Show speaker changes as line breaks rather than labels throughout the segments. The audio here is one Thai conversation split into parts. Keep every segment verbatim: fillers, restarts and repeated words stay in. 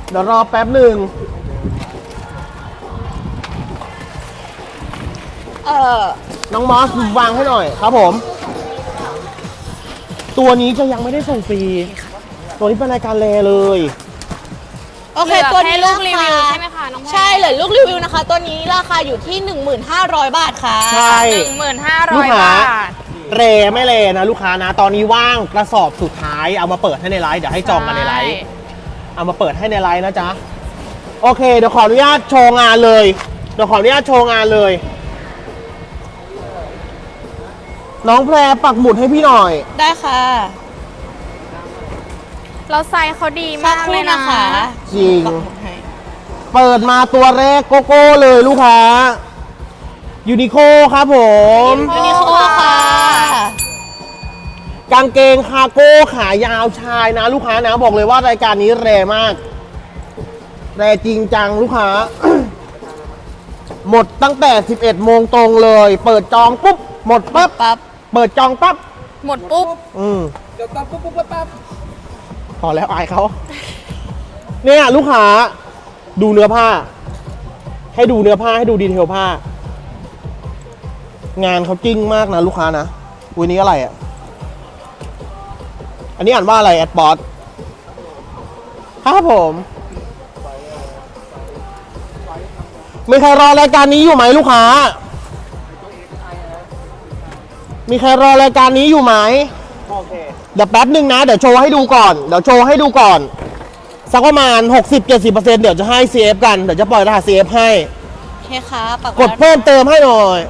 เดี๋ยวรอแป๊บหนึ่งเออน้องมอสวางให้หน่อยครับผมตัวนี้จะยังไม่ได้ส่งฟรีตัวนี้เป็นรายการแลเลย
โอเคตัวนี้ลูกรีวิวใช่
ไหมคะน้องใ
ช่เหลือลูกรีวิวนะคะตัวนี้ราคาอยู่ที่ หนึ่งหมื่นห้าร้อย บาทค่ะ
ใช่
หนึ่งหมื่นห้าร้อยบาท
เรไม่เรนะลูกค้านะตอนนี้ว่างกระสอบสุดท้ายเอามาเปิดให้ในไลฟ์เดี๋ยวให้จองกันในไลฟ์เอามาเปิดให้ในไลฟ์นะจ๊ะโอเคเดี๋ยวขออนุญาตโชว์งานเลยเดี๋ยวขออนุญาตโชว์งานเลยน้องแพรปักหมุดให้พี่หน่อย
ได้ค่ะ
เราไซส์เขาดีมากเลยนะคะ
จริงเปิดมาตัวแรกโกโก้เลยลูกค้ายูนิโคครับผม
ยูนิโคค่ะ
กางเกงคาร์โก้ขายาวชายนะลูกค้านะบอกเลยว่ารายการนี้แรงมากแรงจริงจังลูกค้า หมดตั้งแต่สิบเอ็ดโมงตรงเลยเปิดจองปุ๊บหมดปั๊บปั๊บเปิดจองปั๊บ
หมดปุ๊บ
อืมเดี๋ยวปั๊บปุ๊บปุ๊บปั๊บพอแล้วอายเขาเนี่ยลูกค้าดูเนื้อผ้าให้ดูเนื้อผ้าให้ดูดีเทลผ้างานเขาจริงมากนะลูกค้านะวันนี้อะไรอ่ะอันนี้อ่านว่าอะไรแอดบอสครับผมมีใครรอรายการนี้อยู่ไหมลูกค้ามีใครรอรายการนี้อยู่ไหมโอเคเดี๋ยวแป๊บหนึ่งนะเดี๋ยวโชว์ให้ดูก่อนเดี๋ยวโชว์ให้ดูก่อนสักประมาณ หกสิบถึงเจ็ดสิบเปอร์เซ็นต์ เดี๋ยวจะให้ ซี เอฟ กันเดี๋ยวจะปล่อยรหัส ซี เอฟ ให้
โอเคครับ
กดเพิ่มเติมให้หน่อย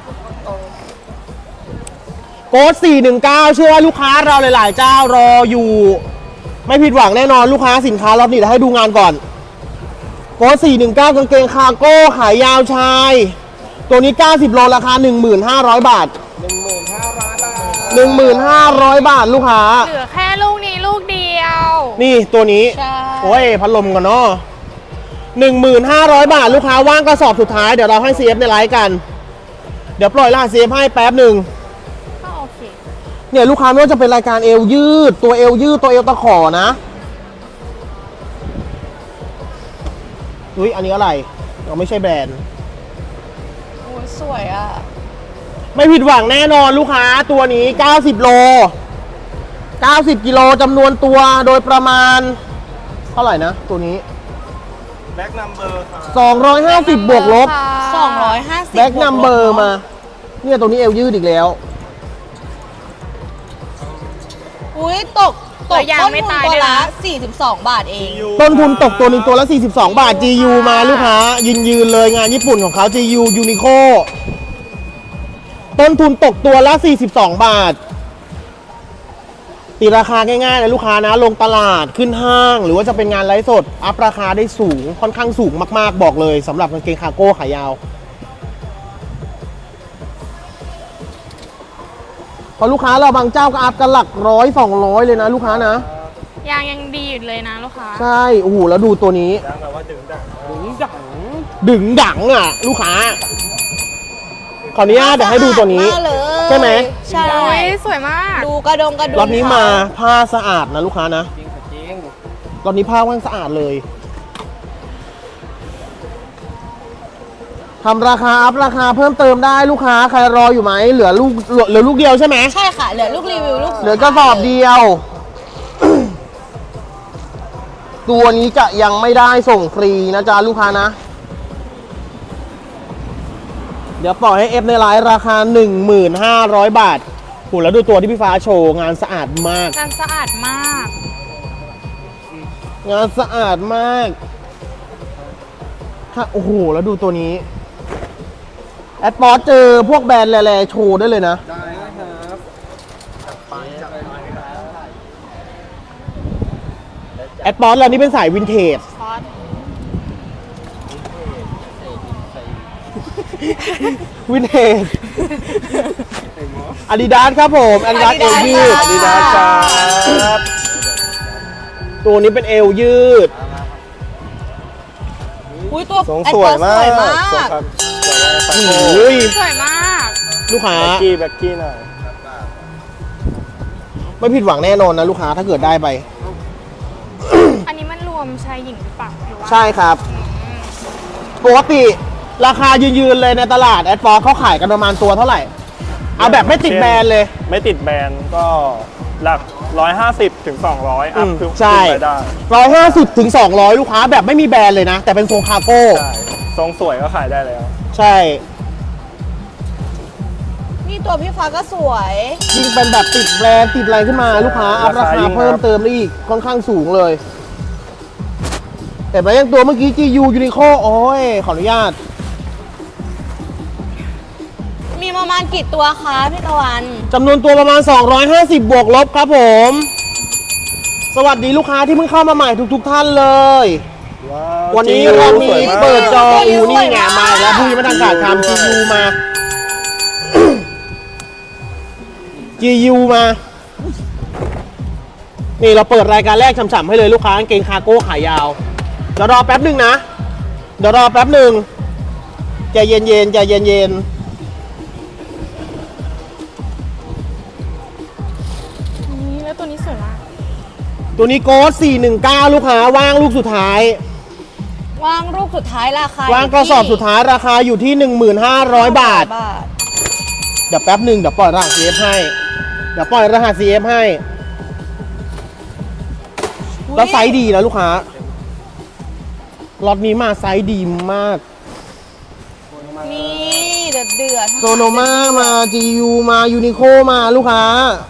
โค้ดสี่หนึ่งเก้าเชื่อว่าลูกค้าเราหลายๆเจ้ารออยู่ไม่ผิดหวังแน่นอนลูกค้าสินค้าล็อตนี้เดี๋ยวให้ดูงานก่อนโค้ดสี่หนึ่งเก้ากางเกงคาร์โก้ขายยาวชายตัวนี้เก้าสิบโลราคา หนึ่งหมื่นห้าร้อย บาท หนึ่งหมื่นห้าร้อย บาท หนึ่งหมื่นห้าร้อย บาทลูกค้า
เหลือแค่ลูกนี้ลูกเดียว
นี่ตัวนี้โอ้ยพัดลมก่อนเนาะ หนึ่งหมื่นห้าร้อย บาทลูกค้าว่างกระสอบสุดท้ายเดี๋ยวเราให้ ซี เอฟ ในไลฟ์กันเดี๋ยวปล่อยรหัส ซี เอฟ ให้แป๊บหนึ่ง
โอเค
เนี่ยลูกค้าไม่ว่าจะเป็นรายการเอวยืดตัวเอวยืดตัวเอวตะขอนะอุ้ยอันนี้อะไรเราไม่ใช่แบรนด์
โอ้สวยอ่ะ
ไม่ผิดหวังแน่นอนลูกค้าตัวนี้เก้าสิบโลเก้าสิบกิโลจำนวนตัวโดยประมาณเท่าไหร่นะตัวนี้แบ็คนัมเบอร์สองร้อยห้าสิบบวกลบ
สองร้อยห้าสิบ
แบ็คนัมเบอร์มาเนี่ยตัวนี้เอวยืดอีกแล้ว
อุ้ยตกตกต้นทุนตัวละสี่สิบสองบาทเอง
ต้นทุนตกตัวนึงตัวละสี่สิบสองบาท จี ยู มาลูกค้ายืนยืนเลยงานญี่ปุ่นของเขา จี ยู Uniqlo ต้นทุนตกตัวละสี่สิบสองบาทตีราคาง่ายๆนะลูกค้านะลงตลาดขึ้นห้างหรือว่าจะเป็นงานไลฟ์สดอัพราคาได้สูงค่อนข้างสูงมากๆบอกเลยสำหรับกางเกงคาร์โก้ขายาวพอลูกค้าเราบางเจ้าก็อัพกันหลักร้อยสองร้อยเลยนะลูกค้านะ
ยางยังดีอยู่เลยนะลูกค้า
ใช่โอ้โหแล้วดูตัวนี้ยางแบบว่าดึงดังดึงดังดึงดังอ่ะลูกค้าขออนุญาตเดี๋ยวให้ดูตัวนี้ใช่ไหม
ใช่
สวยมาก
ดูกระดงกระดุม
รอบนี้มาผ้าสะอาดนะลูกค้านะรอบนี้ผ้าว่างสะอาดเลยทำราคาอัพราคาเพิ่มเติมได้ลูกค้าใครรออยู่ไหมเหลือลูกเหลือลูกเดียวใช่ไหม
ใช่ค่ะเหลือลูกรีวิวลูก
เหลือกระสอบเดียว ตัวนี้จะยังไม่ได้ส่งฟรีนะจ๊ะลูกค้านะเดี๋ยวปล่อยให้เอฟในไลน์ราคา หนึ่งหมื่นห้าร้อย บาทโหแล้วดูตัวที่พี่ฟ้าโชว์งานสะอาดมาก
งานสะอาดมาก
งานสะอาดมากโอ้โหแล้วดูตัวนี้แอดปอร์ตเจอพวกแบรนด์แหล่ๆโชว์ได้เลยนะได้ครับแอดปอร์ตเรานี่เป็นสายวินเทจวินเทจอาดิดาสครับผมอาดิดาสเอวยืดอาดิดาสครับตัวนี้เป็นเอวยืด
อุ้ยตัว
สวยมากอุ้ย
สวยมาก
ลูกค้า
แบ็กกี้แบ็กกี้หน่อย
ไม่ผิดหวังแน่นอนนะลูกค้าถ้าเกิดได้ไป
อันนี้มันรววมชายหญิงหรือเปล่าหรือว่า
ใช่ครับ ปกติราคายืนๆเลยในตลาดแอดฟอร์เขาขายกันประมาณตัวเท่าไหร่ เอาแบบไม่ติดแบรนด์เลย
ไม่ติดแบรนด์ก็หลักร้อยห้าสิบถึงสองร้อยอัพ
อืม
ขึ้น
ใช่
ไปได้
ร้อยห้าสิบถึงสองร้อยลูกค้าแบบไม่มีแบรนด์เลยนะ แต่เป็นทรงคาร์โก้
ใช่ทรงสวยก็ขายได้แล้ว
ใช่
นี่ตัวพี่ฟ้าก็สวย
ยิ่งเป็นแบบติดแบรนด์ติดอะไรขึ้นมาลูกค้าอัพราคาเพิ่มเติมได้อีกค่อนข้างสูงเลยแต่ไปยังตัวเมื่อกี้ จี ยู Uniqlo โอ้ยขออนุญาต
มีประมาณกี่ตัวคะพี่ตะวัน
จำนวนตัวประมาณ สองร้อยห้าสิบ บวกลบครับผม สวัสดีลูกค้าที่เพิ่งเข้ามาใหม่ทุกๆท่านเลย
ว้า
วันนี้
จี
เรา
ส
มี
วยมาก
เปิดจอ
สวย
อูนี่ไง
มาก
มาแล้วผู้ยังไม่ทันขาดคำ จี ยู มา จี ยู มา นี่เราเปิดรายการแรกฉ่ำๆให้เลยลูกค้ากางเกงคาร์โก้ขายาว เดี๋ยวรอแป๊บหนึ่งนะ เดี๋ยวรอแป๊บหนึ่งใจเย็นๆใจเย็นๆ
นี่แล้วตัวนี้สวยมาก
ตัวนี้โค้ดสี่หนึ่งเก้าลูกค้าว่างลูกสุดท้าย
วางรูปสุดท้ายราคา
ว่างกระสอบสุดท้ายราคาอยู่ที่ หนึ่งพันห้าร้อย บาท
บาท
เดี๋ยวแป๊บหนึ่งเดี๋ยวปล่อยรหัส ซี เอฟ ให้ เดี๋ยวปล่อยรหัส ซี เอฟ ให้ แล้วไซส์ดีนะลูกค้าล็อตนี้มาไซส์ดีมาก
นี่เดือดเดือด
โซโนมามา จี ยู มา ยูนิโคมาลูกค้า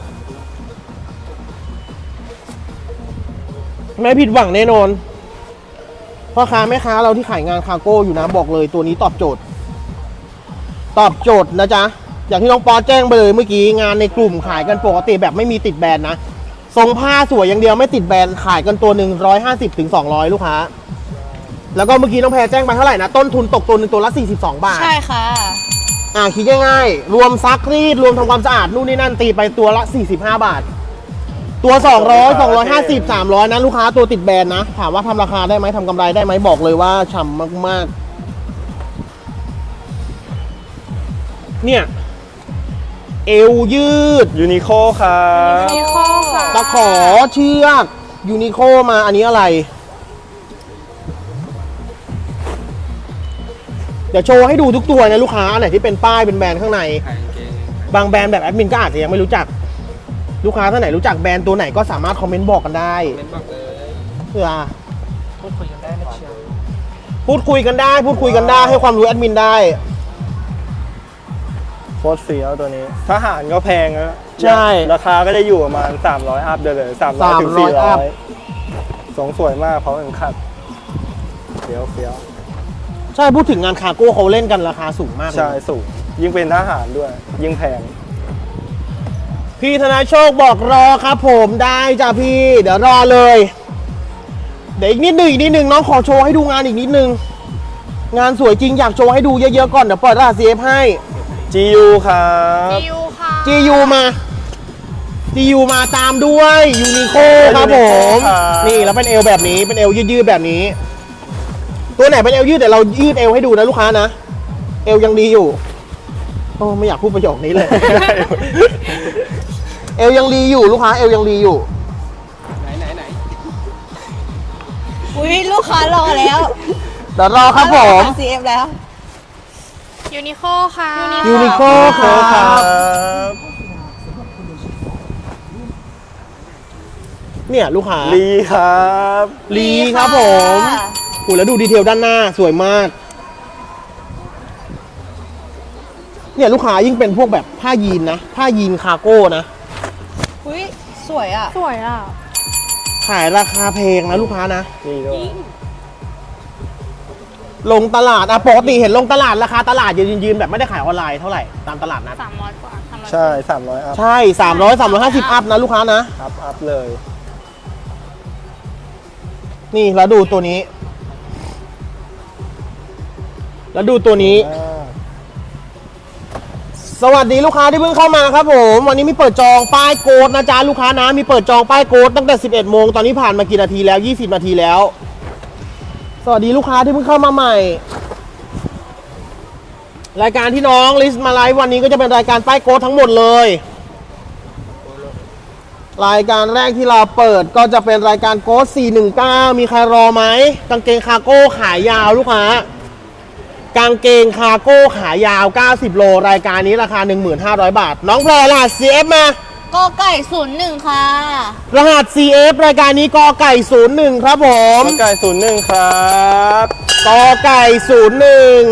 ไม่ผิดหวังแน่นอนพ่อค้าแม่ค้าเราที่ขายงานคาร์โก้อยู่นะบอกเลยตัวนี้ตอบโจทย์ ตอบโจทย์นะจ๊ะ อย่างที่น้องปอแจ้งไปเลยเมื่อกี้งานในกลุ่มขายกันปกติแบบไม่มีติดแบรนด์นะทรงผ้าสวยอย่างเดียวไม่ติดแบรนด์ขายกันตัวหนึ่งร้อยห้าสิบถึงสองร้อยลูกค้า แล้วก็เมื่อกี้น้องแพรแจ้งไปเท่าไหร่นะ ต้นทุนตกตัวหนึ่งตัวละสี่สิบสองบาท
ใช่ค่ะ
อ่าคิดง่ายๆ รวมซักรีดรวมทำความสะอาดนู่นนี่นั่นตีไปตัวละสี่สิบห้าบาท ตัว สองร้อย สองร้อยห้าสิบ สามร้อยนะลูกค้าตัวติดแบรนด์นะ ถามว่าทำราคาได้ไหมทำกำไรได้ไหมบอกเลยว่าฉ่ำมากๆ เนี่ย เอวยืด
ยูนิโคครับ
ยูนิโคค่ะ
ตะขอเชือกยูนิโคมาอันนี้อะไร เดี๋ยวโชว์ให้ดูทุกตัวนะลูกค้าอันไหนที่เป็นป้ายเป็นแบรนด์ข้างใน บางแบรนด์แบบแอดมินก็อาจจะยังไม่รู้จัก ลูกค้าท่านไหนรู้จักแบรนด์ตัวไหนก็สามารถคอมเมนต์บอกกันได้เพื่อพูดคุยกันได้พูดคุยกันได้พูดคุยกันได้ให้ความรู้แอดมินได้
โคตรเฟี้ยวตัวนี้ทหารก็แพงนะ
ใช่
ราคาก็จะอยู่ประมาณสามร้อยอัพเดี๋ยวเลยสามร้อยถึง
สามร้
สี่
อย
ร้
อั
อ
พ
ยสงสวยมากเพราะมันขัดเฟี้ยวเฟี้ยว
ใช่พูดถึงงานคาร์โก้เขาเล่นกันราคาสูงมากเลย
ใช่สูงยิ่งเป็นทหารด้วย ยิ่งแพง
พี่ธนาโชคบอกรอครับผมได้จ้ะพี่ เดี๋ยวรอเลย เดี๋ยวอีกนิดหนึ่งอีกนิดหนึ่งน้องขอโชว์ให้ดูงานอีกนิดนึง งานสวยจริงอยากโชว์ให้ดูเยอะๆก่อนเดี๋ยวเปิดรหัส ซี เอฟ ให้
จี ยู ครับ
จียูค่ะ
จี ยู มา จี ยู มาตามด้วยยูนิโคครับผม นี่แล้วเป็นเอวแบบนี้เป็นเอวยืดๆแบบนี้ ตัวไหนเป็นเอวยืดเดี๋ยวเรายืดเอวให้ดูนะลูกค้านะ เอวยังดีอยู่โอ้ไม่อยากพูดประโยคนี้เลย เอวยังดีอยู่ลูกค้าเอวยังดีอยู่
อุ้ยลูกค้ารอแล้ว
เดี๋ยวรอครับผม
ซีเอฟแล้ว
ยูนิโคค่ะ
ยูนิโคค
ค
รั
รับ บ
เนี่ยลูกค้า
ลีครับ
ลีครับผมโอ้แล้วดูดีเทลด้านหน้าสวยมาก เนี่ยลูกค้ายิ่งเป็นพวกแบบผ้ายีนนะ ผ้ายีนคาร์โก้นะ
อุ้ยสวยอ่ะ
สวยอ่ะ
ขายราคาแพงนะลูกค้านะ
นี่ด้วย
ลงตลาดอะปกติเห็นลงตลาดราคาตลาดยืนยืนๆแบบไม่ได้ขายออนไลน์เท่าไหร่ตามตลาดนัด
สามร้อยกว่าสามร้อย
ใช่สามร้อยอัพ
ใช่สามร้อย สามร้อยห้าสิบอัพนะลูกค้านะ
อัพอัพเลย
นี่แล้วดูตัวนี้ แล้วดูตัวนี้
อ่า
สวัสดีลูกค้าที่เพิ่งเข้ามาครับผม วันนี้มีเปิดจองป้ายโกดนะจ๊ะลูกค้านะมีเปิดจองป้ายโกดตั้งแต่สิบเอ็ดโมงตอนนี้ผ่านมากี่นาทีแล้วยี่สิบนาทีแล้ว สวัสดีลูกค้าที่เพิ่งเข้ามาใหม่ รายการที่น้องลิสต์มาไลฟ์วันนี้ก็จะเป็นรายการป้ายโกดทั้งหมดเลยรายการแรกที่เราเปิดก็จะเป็นรายการโค้ดสี่หนึ่งเก้ามีใครรอไหมกางเกงคาร์โก้ขายาวลูกค้ากางเกงคาร์โก้ขายาวเก้าสิบโลรายการนี้ราคา หนึ่งพันห้าร้อย บาทน้องแพรรหัส ซี เอฟ มาก
อไก่ศูนย์หนึ่งค่ะ
รหัส ซี เอฟ รายการนี้กอไก่ศูนย์หนึ่งครับผม
กอไก่ศูนย์หนึ่งครับ
กอไก่ศูนย์หนึ่ง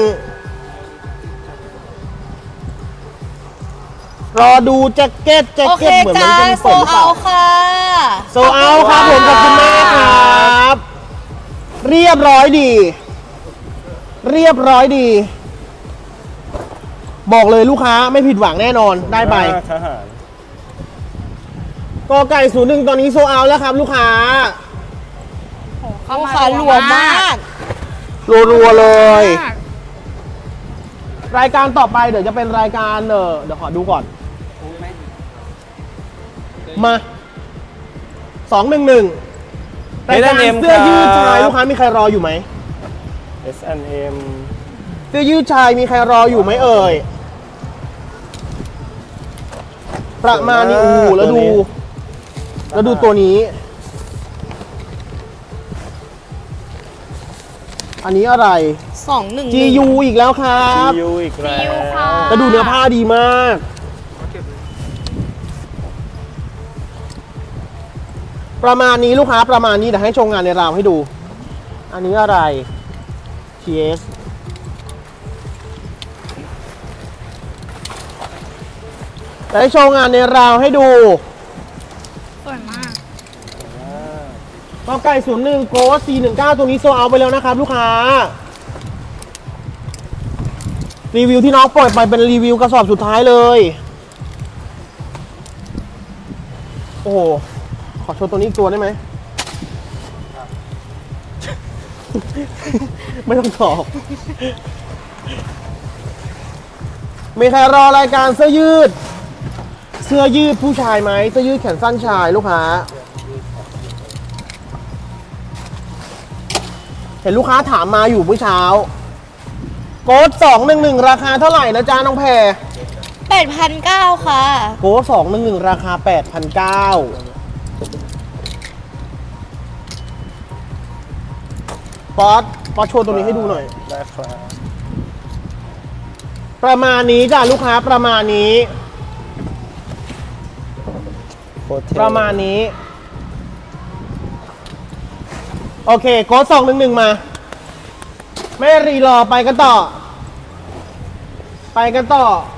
รอดูแจ็คเก็ตแจ็ค
โอเค
เก็ตเหมือนมั
จ้าน
เป็น
โซ
เปิดหรือเป
เอา
ล่า
ค่ะ
โซเอาครับผมขอบคุณมากครับ เรียบร้อยดี เรียบร้อยดี บอกเลยลูกค้าไม่ผิดหวังแน่นอนได้ไป
ทหาร
กอไก่ศูนย์หนึ่งตอนนี้โซเอาแล้วครับลูกค้า
โอ้เข้า
ลูก
มา
ค้ารัวมาก
รัวๆเลย
มาก
รายการต่อไปเดี๋ยวจะเป็นรายการเออเดี๋ยวขอดูก่อน มาสองหนึ่งหนึ่งรายการเสื้อยืดชายลูกค้ามีใครรออยู่ไหม
เอส แอนด์ เอ็ม
เสื้อยืดชายมีใครรออยู่ไหมเอ่ย ประมาณนี้โอ้โหแล้วดู แล้วดูตัวนี้ อันนี้อะไร
สองหนึ่ง
จี ยู อีกแล้วครับ
ยูอีกแล้ว
ซียูค่ะ
แล้วดูเนื้อผ้าดีมาก ประมาณนี้ลูกค้าประมาณนี้เดี๋ยวให้โชว์งานในราวให้ดู อันนี้อะไร ที เอส เดี๋ยวให้โชว์งานในราวให้ดู
สวยมาก
กอไก่ศูนย์หนึ่งโกสสี่หนึ่งเก้าตัวนี้โซเอาไปแล้วนะครับลูกค้า รีวิวที่น้องปล่อยไปเป็นรีวิวกระสอบสุดท้ายเลย โอ้โห ขอโชว์ตัวนี้อีกตัวได้ไหม ไม่ต้องตอบ มีใครรอรายการเสื้อยืด เสื้อยืดผู้ชายไหมเสื้อยืดแขนสั้นชายลูกค้า เห็นลูกค้าถามมาอยู่เมื่อเช้า โค้ดสองหนึ่งหนึ่งราคาเท่าไหร่นะจ๊ะน้องแพร
แปดพันเก้าค่ะ
โค้ดสองหนึ่งหนึ่งราคาแปดพันเก้าป๊อตป๊อตโชว์ตัวนี้ให้ดูหน่อย
ได้ครับ
ประมาณนี้จ้ะลูกค้าประมาณนี้
โคตรเท่
ประมาณนี้ โอเคโค้ดสองหนึ่งหนึ่งมา ไม่รีรอไปกันต่อ ไปกันต่อ